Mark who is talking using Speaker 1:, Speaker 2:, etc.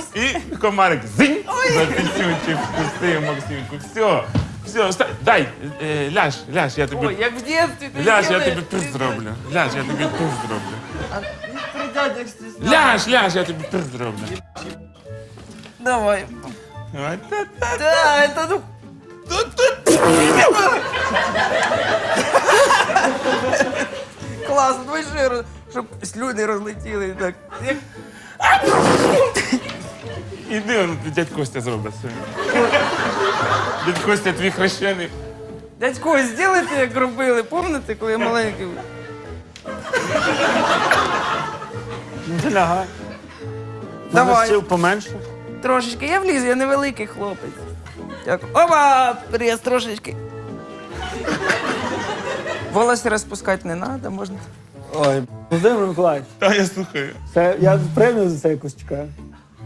Speaker 1: І комарик зинь, запісюнчик вкусив Максимку. Все, дай, ляж, я тобі...
Speaker 2: Ой, як в дитинстві ти
Speaker 1: Ляж, я
Speaker 2: зробив.
Speaker 1: тобі тут зроблю. Ляж, я тобі тут зроблю.
Speaker 2: А не при дядях стісняйся.
Speaker 1: Ляж, я тобі тут зроблю.
Speaker 2: Давай.
Speaker 1: Ой, та-та.
Speaker 2: Да, это ну... Класно, давай ще раз, щоб слюни розлетіли. Так. Як...
Speaker 1: Іди, он, дядь Костя зробить все. Дядь Костя, твій хрещений.
Speaker 2: Дядько, зробите, як робили, пам'ятаєте, коли я маленький? був?
Speaker 3: Не лягай.
Speaker 2: Давай.
Speaker 3: Сил поменше.
Speaker 2: Трошечки, я влізу, я невеликий хлопець. Дякую. Опа, прес трошечки. Волосся розпускати не треба, можна.
Speaker 3: Ой, Володимир Миколаївич,
Speaker 1: Та я слухаю.
Speaker 3: це я премію за це якусь чекаю.